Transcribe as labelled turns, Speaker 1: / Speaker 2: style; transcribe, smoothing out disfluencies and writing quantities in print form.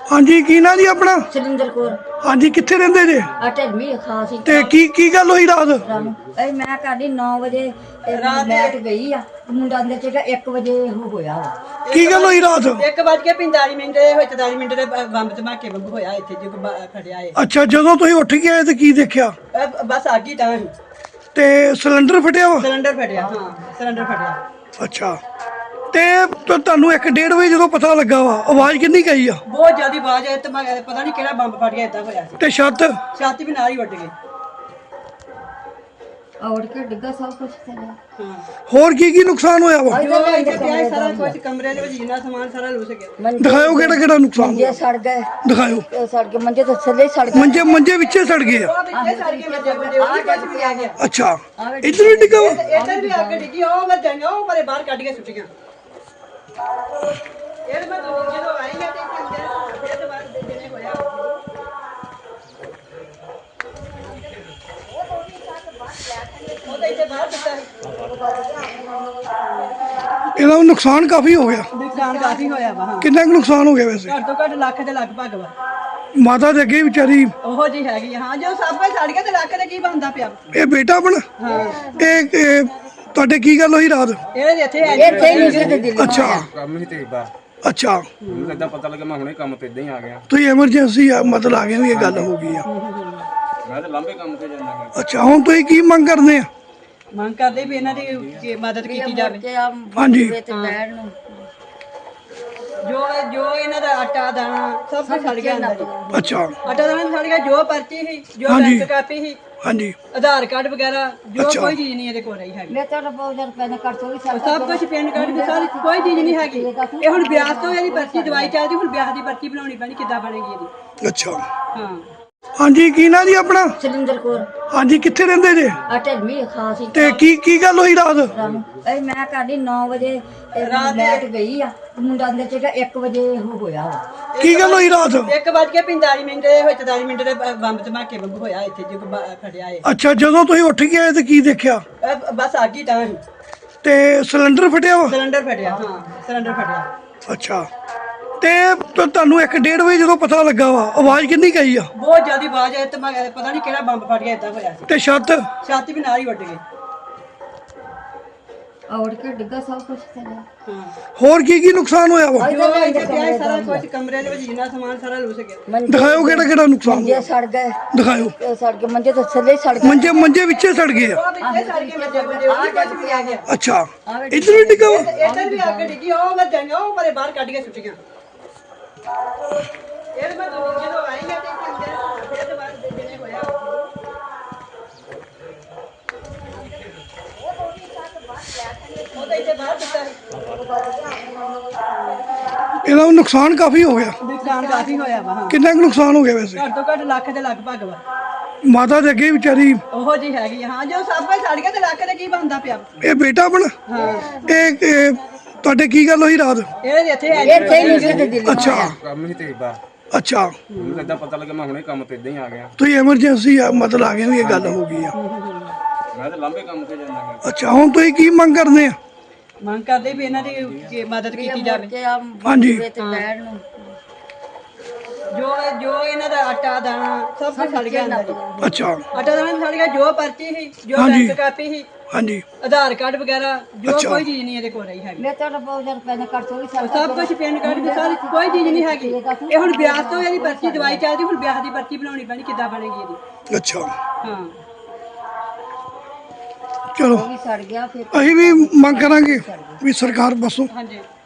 Speaker 1: हाँ जी की ना जी अपना
Speaker 2: सुरिंदर कौर
Speaker 1: हाँ जी कितने रहंदे जे
Speaker 2: ढलवी खास
Speaker 1: ते की गल होई रात
Speaker 2: ਇਹ ਮੈਂ ਕਰਦੀ 9 ਵਜੇ ਲੈਟ ਗਈ ਆ ਮੁੰਡਾ ਅੰਦਰ ਚੇਗਾ 1 ਵਜੇ ਉਹ ਹੋਇਆ ਵਾ
Speaker 1: की गल होई रात
Speaker 3: 1:45 ਦੇ ਹੋਏ 44 ਮਿੰਟ ਦੇ ਬੰਬ ਧਮਾਕੇ ਵਾਂਗੂ ਹੋਇਆ ਇੱਥੇ ਜੋ ਫੜਿਆ ਏ
Speaker 1: अच्छा ਜਦੋਂ ਤੁਸੀਂ ਉੱਠ ਕੇ ਆਏ ਤੇ ਕੀ ਦੇਖਿਆ
Speaker 3: ਬਸ ਅੱਗ ਹੀ ਤਾਂ
Speaker 1: ਤੇ ਸਿਲੰਡਰ ਫਟਿਆ ਵਾ
Speaker 3: ਸਿਲੰਡਰ ਫਟਿਆ ਹਾਂ ਸਿਲੰਡਰ ਫਟਿਆ
Speaker 1: ਅੱਛਾ ਤੇ ਤੁਹਾਨੂੰ 1:30 ਵਜੇ ਜਦੋਂ ਪਤਾ ਲੱਗਾ ਵਾ ਆਵਾਜ਼ ਕਿੰਨੀ ਗਈ ਆ
Speaker 3: ਬਹੁਤ ਜ਼ਿਆਦਾ ਆਵਾਜ਼ ਆਈ ਤੇ ਪਤਾ ਨਹੀਂ ਕਿਹੜਾ ਬੰਬ ਫਟ ਗਿਆ ਇਦਾਂ ਹੋਇਆ ਸੀ
Speaker 1: ਤੇ ਛੱਤ
Speaker 3: ਛਾਤੀ ਵੀ ਨਾਲ ਹੀ ਉੱਡ ਗਈ
Speaker 2: ਔੜ ਕੇ ਡਿੱਗਾ ਸਭ ਕੁਝ ਥੱਲੇ
Speaker 3: ਹਾਂ
Speaker 1: ਹੋਰ ਕੀ ਨੁਕਸਾਨ ਹੋਇਆ ਵਾ
Speaker 3: ਜੋ ਇੱਥੇ ਪਿਆ ਸੀ ਸਾਰਾ ਕੁਝ ਕਮਰੇ ਦੇ ਵਿੱਚ ਜਿੰਨਾ ਸਮਾਨ ਸਾਰਾ ਲੁੱਸ ਗਿਆ
Speaker 1: ਦਿਖਾਓ ਕਿਹੜਾ ਨੁਕਸਾਨ
Speaker 2: ਮੰਜੇ ਸੜ ਗਏ
Speaker 1: ਦਿਖਾਓ
Speaker 2: ਇਹ ਸੜ ਕੇ ਮੰਜੇ ਤਾਂ ਥੱਲੇ ਹੀ ਸੜ ਗਏ
Speaker 1: ਮੰਜੇ ਵਿੱਚੇ ਸੜ ਗਏ ਆ
Speaker 3: ਉਹ ਵਿੱਚੇ ਸੜ ਕੇ ਮੰਜੇ ਉਹ ਕੁਝ ਵੀ ਆ ਗਿਆ
Speaker 1: ਅੱਛਾ ਇੱਧਰ ਵੀ ਡਿੱਗਾ ਵਾ
Speaker 3: ਇੱਧਰ ਵੀ ਅੱਗ ਡਿੱਗੀ ਉਹ ਮੈਂ ਜਾਣਾ ਉਹ ਮਾਰੇ ਬਾਹਰ ਕੱਢ ਕੇ ਸੁੱਟੀਆਂ ਇਹ ਮੈਂ ਜਦੋਂ ਆਈ ਮੈਂ ਤੇ ਅੰਦਰ ਫਿਰ ਬਾਅਦ ਜਿਹਨੇ ਹੋਇਆ ਉਹ ਤਾਂ ਇੱਥੇ ਬਾਹਰ ਦਿੱਤਾ
Speaker 1: ਇਹਦਾ ਨੁਕਸਾਨ ਕਾਫੀ ਹੋ ਗਿਆ
Speaker 3: ਨੁਕਸਾਨ ਕਾਫੀ ਹੋਇਆ ਵਾ ਹਾਂ
Speaker 1: ਕਿੰਨਾ ਕੁ ਨੁਕਸਾਨ ਹੋ ਗਿਆ ਵੈਸੇ
Speaker 3: ਘੱਟ ਤੋਂ ਘੱਟ ਲੱਖ ਦੇ ਲਗਭਗ ਵਾ
Speaker 1: ਮਾਤਾ ਦੇ ਅੱਗੇ ਵਿਚਾਰੀ
Speaker 3: ਉਹੋ ਜੀ ਹੈਗੀ ਆ। ਹਾਂ ਜੋ ਸਭ ਕੁਝ ਸੜ ਗਿਆ ਤੇ ਲੱਖ ਦੇ ਕੀ ਬਣਦਾ ਪਿਆ
Speaker 1: ਇਹ ਬੇਟਾ ਆਪਣਾ
Speaker 3: ਹਾਂ
Speaker 1: ਇਹ ਤੁਹਾਡੇ ਕੀ ਗੱਲ ਹੋਈ ਰਾਤ
Speaker 3: ਇਹ ਇੱਥੇ ਹੈ
Speaker 2: ਇੱਥੇ ਹੀ ਨਹੀਂ ਸੀ ਤੇ ਦਿੱਲੀ
Speaker 1: ਅੱਛਾ
Speaker 4: ਕੰਮ ਹੀ ਤੇ ਬਾ
Speaker 1: ਅੱਛਾ
Speaker 4: ਮੈਨੂੰ ਏਦਾਂ ਪਤਾ ਲੱਗਾ ਮੈਂ ਹੁਣੇ ਕੰਮ ਤੇ ਇਦਾਂ ਹੀ ਆ ਗਿਆ
Speaker 1: ਤੁਸੀਂ ਐਮਰਜੈਂਸੀ ਆ ਮਤਲਬ ਆ ਗਿਆ ਵੀ ਇਹ ਗੱਲ ਹੋ ਗਈ ਆ
Speaker 4: ਮੈਂ ਤਾਂ ਲੰਬੇ ਕੰਮ ਤੇ ਜਾਂਦਾ
Speaker 1: ਅੱਛਾ ਹੁਣ ਤੁਸੀਂ ਕੀ ਮੰਗ ਕਰਦੇ ਆ
Speaker 3: ਮੰਗ ਕਰਦੇ ਵੀ ਇਹਨਾਂ ਦੀ ਮਦਦ ਕੀਤੀ ਜਾਵੇ
Speaker 2: ਕਿ ਆ
Speaker 1: ਹਾਂਜੀ
Speaker 2: ਤੇ ਬੈਠ ਨੂੰ
Speaker 3: ਜੋ ਇਹਨਾਂ ਦਾ ਆਟਾ ਦਾਣਾ ਸਭ ਕੁਝ ਸੜ ਗਿਆ ਅੰਦਰ ਹੀ।
Speaker 1: ਅੱਛਾ
Speaker 3: ਆਟਾ ਦਾਣਾ ਸੜ ਗਿਆ ਜੋ ਪਰਚੀ ਸੀ ਜੋ
Speaker 1: ਹਾਂਜੀ।
Speaker 3: ਬੈਂਕ ਕਾਪੀ ਸੀ
Speaker 1: ਹਾਂਜੀ
Speaker 3: ਆਧਾਰ ਕਾਰਡ ਵਗੈਰਾ ਜੋ
Speaker 1: ਅੱਛਾ।
Speaker 3: ਕੋਈ ਚੀਜ਼ ਨਹੀਂ ਇਹਦੇ ਕੋਲ ਰਹੀ ਹੈਗੀ
Speaker 2: ਮੈਂ ਤਾਂ ਬਹੁਤ ਜ਼ਿਆਦਾ ਪੈਸੇ ਕੱਟ ਤੋਂ ਵੀ
Speaker 3: ਸਭ ਕੁਝ ਪੈਨ ਕਾਰਡ ਵੀ ਸਾਰੀ ਕੋਈ ਚੀਜ਼ ਨਹੀਂ ਹੈਗੀ ਇਹ ਹੁਣ ਵਿਆਹ ਤੋਂ ਇਹਦੀ ਪਰਚੀ ਦਵਾਈ ਚੱਲਦੀ ਹੁਣ ਵਿਆਹ ਦੀ ਪਰਚੀ ਬਣਾਉਣੀ ਪੈਣੀ ਕਿੱਦਾਂ ਬਣੇਗੀ ਇਹਦੀ
Speaker 1: ਅੱਛਾ
Speaker 3: ਹਾਂ
Speaker 1: ਹਾਂਜੀ ਕੀ ਨਾ ਜੀ ਆਪਣਾ
Speaker 2: ਸੁਰਿੰਦਰ ਕੌਰ
Speaker 1: ਹਾਂਜੀ ਕਿੱਥੇ ਰਹਿੰਦੇ ਜੇ
Speaker 2: ਢਲवी ਖਾਸ
Speaker 1: ਤੇ ਕੀ ਗੱਲ ਹੋਈ ਰਾਤ
Speaker 2: ਇਹ ਮੈਂ ਕਰਦੀ 9 ਵਜੇ ਲੈਟ ਗਈ ਆ ਮੁੰਡਾ ਅੰਦਰ ਚੇਗਾ 1 ਵਜੇ ਉਹ ਹੋਇਆ ਵਾ
Speaker 1: ਕੀ ਗੱਲ ਹੋਈ ਰਾਤ
Speaker 3: 1:45 ਮਿੰਟ ਦੇ ਹੋਏ 44 ਮਿੰਟ ਦੇ ਬੰਬ ਧਮਾਕੇ ਵਾਂਗੂ ਹੋਇਆ ਇੱਥੇ ਜੋ ਫੜਿਆ ਏ
Speaker 1: ਅੱਛਾ ਜਦੋਂ ਤੁਸੀਂ ਉੱਠ ਕੇ ਆਏ ਤੇ ਕੀ ਦੇਖਿਆ
Speaker 3: ਬਸ ਅੱਗ ਹੀ ਤਾਂ
Speaker 1: ਤੇ ਸਿਲੰਡਰ ਫਟਿਆ ਵਾ
Speaker 3: ਸਿਲੰਡਰ ਫਟਿਆ ਹਾਂ ਸਿਲੰਡਰ ਫਟਿਆ
Speaker 1: ਅੱਛਾ ਤੇ ਤੁਹਾਨੂੰ 1:30 ਵਜੇ ਜਦੋਂ ਪਤਾ ਲੱਗਾ ਵਾ ਆਵਾਜ਼ ਕਿੰਨੀ ਗਈ ਆ
Speaker 3: ਬਹੁਤ ਜ਼ਿਆਦਾ ਆਵਾਜ਼ ਆਈ ਤੇ ਪਤਾ ਨਹੀਂ ਕਿਹੜਾ ਬੰਬ ਫਟ ਗਿਆ ਇਦਾਂ ਹੋਇਆ ਸੀ
Speaker 1: ਤੇ ਛੱਤ
Speaker 3: ਛਾਤੀ ਵੀ ਨਾਲ ਹੀ ਉੱਡ ਗਈ
Speaker 2: ਔੜ ਕੇ ਡਿੱਗਾ ਸਭ ਕੁਝ ਥੱਲੇ
Speaker 3: ਹਾਂ
Speaker 1: ਹੋਰ ਕੀ ਨੁਕਸਾਨ ਹੋਇਆ ਵਾ
Speaker 3: ਜੋ ਇੱਥੇ ਪਿਆ ਸੀ ਸਾਰਾ ਕੁਝ ਕਮਰੇ ਦੇ ਵਿੱਚ ਜਿੰਨਾ ਸਮਾਨ ਸਾਰਾ ਲੁੱਸ ਗਿਆ
Speaker 1: ਦਿਖਾਓ ਕਿਹੜਾ ਨੁਕਸਾਨ
Speaker 2: ਮੰਜੇ ਸੜ ਗਏ
Speaker 1: ਦਿਖਾਓ
Speaker 2: ਇਹ ਸੜ ਕੇ ਮੰਜੇ ਤਾਂ ਥੱਲੇ ਹੀ ਸੜ ਗਏ
Speaker 1: ਮੰਜੇ ਵਿੱਚੇ ਸੜ ਗਏ ਆ
Speaker 3: ਉਹ ਵਿੱਚੇ ਸੜ ਕੇ ਮੰਜੇ ਉਹ ਕੁਝ ਵੀ ਆ ਗਿਆ
Speaker 1: ਅੱਛਾ ਇੱਧਰ ਵੀ ਡਿੱਗਾ ਵਾ
Speaker 3: ਇੱਧਰ ਵੀ ਅੱਗ ਡਿੱਗੀ ਉਹ ਮੈਂ ਜਾਣਾ ਉਹ ਮਾਰੇ ਬਾਹਰ ਕੱਢ ਕੇ ਸੁੱਟੀਆਂ ਇਹ ਮੈਂ ਜਦੋਂ ਆਈ ਮੈਂ ਤੇ ਅੰਦਰ ਫਿਰ ਬਾਅਦ ਜਿਹਨੇ ਹੋਇਆ ਉਹ ਤਾਂ ਇੱਥੇ ਬਾਹਰ ਦਿੱਤਾ
Speaker 1: ਇਹਦਾ ਨੁਕਸਾਨ ਕਾਫੀ ਹੋ ਗਿਆ
Speaker 3: ਨੁਕਸਾਨ ਕਾਫੀ ਹੋਇਆ ਵਾ ਹਾਂ
Speaker 1: ਕਿੰਨਾ ਕੁ ਨੁਕਸਾਨ ਹੋ ਗਿਆ ਵੈਸੇ
Speaker 3: ਘੱਟ ਤੋਂ ਘੱਟ ਲੱਖ ਦੇ ਲਗਭਗ ਵਾ
Speaker 1: ਮਾਤਾ ਦੇ ਅੱਗੇ ਵਿਚਾਰੀ
Speaker 3: ਉਹੋ ਜੀ ਹੈਗੀ ਆ। ਹਾਂ ਜੋ ਸਭ ਕੁਝ ਸੜ ਗਿਆ ਤੇ ਲੱਖ ਦੇ ਕੀ ਬਣਦਾ ਪਿਆ
Speaker 1: ਇਹ ਬੇਟਾ ਆਪਣਾ
Speaker 3: ਹਾਂ
Speaker 1: ਇਹ ਤੁਹਾਡੇ ਕੀ ਗੱਲ ਹੋਈ ਰਾਤ
Speaker 3: ਇਹ ਇੱਥੇ ਹੈ
Speaker 2: ਇੱਥੇ ਹੀ ਨਹੀਂ ਸੀ ਤੇ ਦਿੱਲੀ
Speaker 1: ਅੱਛਾ
Speaker 4: ਕੰਮ ਹੀ ਤੇ ਬਾ
Speaker 1: ਅੱਛਾ
Speaker 4: ਮੈਨੂੰ ਏਦਾਂ ਪਤਾ ਲੱਗਾ ਮੈਂ ਹੁਣੇ ਕੰਮ ਤੇ ਇਦਾਂ ਹੀ ਆ ਗਿਆ
Speaker 1: ਤੁਸੀਂ ਐਮਰਜੈਂਸੀ ਆ ਮਤਲਬ ਆ ਗਿਆ ਵੀ ਇਹ ਗੱਲ ਹੋ ਗਈ ਆ
Speaker 4: ਮੈਂ ਤਾਂ ਲੰਬੇ ਕੰਮ ਤੇ ਜਾਂਦਾ
Speaker 1: ਅੱਛਾ ਹੁਣ ਤੁਸੀਂ ਕੀ ਮੰਗ ਕਰਦੇ ਆ
Speaker 3: ਮੰਗ ਕਰਦੇ ਵੀ ਇਹਨਾਂ ਦੀ ਮਦਦ ਕੀਤੀ ਜਾਵੇ
Speaker 2: ਕਿ ਆ
Speaker 1: ਹਾਂਜੀ
Speaker 2: ਤੇ ਬੈਠ ਨੂੰ
Speaker 3: ਜੋ ਇਹਨਾਂ ਦਾ ਆਟਾ ਦਾਣਾ ਸਭ ਕੁਝ ਸੜ ਗਿਆ ਅੰਦਰ ਹੀ।
Speaker 1: ਅੱਛਾ
Speaker 3: ਆਟਾ ਦਾਣਾ ਸੜ ਗਿਆ ਜੋ ਪਰਚੀ ਸੀ ਜੋ
Speaker 1: ਹਾਂਜੀ।
Speaker 3: ਬੈਂਕ ਕਾਪੀ ਸੀ
Speaker 1: ਹਾਂਜੀ
Speaker 3: ਆਧਾਰ ਕਾਰਡ ਵਗੈਰਾ ਜੋ
Speaker 1: ਅੱਛਾ।
Speaker 3: ਕੋਈ ਚੀਜ਼ ਨਹੀਂ ਇਹਦੇ ਕੋਲ ਰਹੀ ਹੈਗੀ
Speaker 2: ਮੈਂ ਤਾਂ ਬਹੁਤ ਜ਼ਿਆਦਾ ਪੈਸੇ ਕੱਟ ਤੋਂ ਵੀ
Speaker 3: ਸਭ ਕੁਝ ਪੈਨ ਕਾਰਡ ਵੀ ਸਾਰੀ ਕੋਈ ਚੀਜ਼ ਨਹੀਂ ਹੈਗੀ ਇਹ ਹੁਣ ਵਿਆਹ ਤੋਂ ਇਹਦੀ ਪਰਚੀ ਦਵਾਈ ਚੱਲਦੀ ਹੁਣ ਵਿਆਹ ਦੀ ਪਰਚੀ ਬਣਾਉਣੀ ਪੈਣੀ ਕਿੱਦਾਂ ਬਣੇਗੀ ਇਹਦੀ
Speaker 1: ਅੱਛਾ
Speaker 3: ਹਾਂ
Speaker 1: ਚਲੋ
Speaker 2: ਵੀ ਸੜ ਗਿਆ ਫਿਰ
Speaker 1: ਅਸੀਂ ਵੀ ਮੰਗ ਕਰਾਂਗੇ ਵੀ ਸਰਕਾਰ ਬਸੋ
Speaker 3: ਹਾਂਜੀ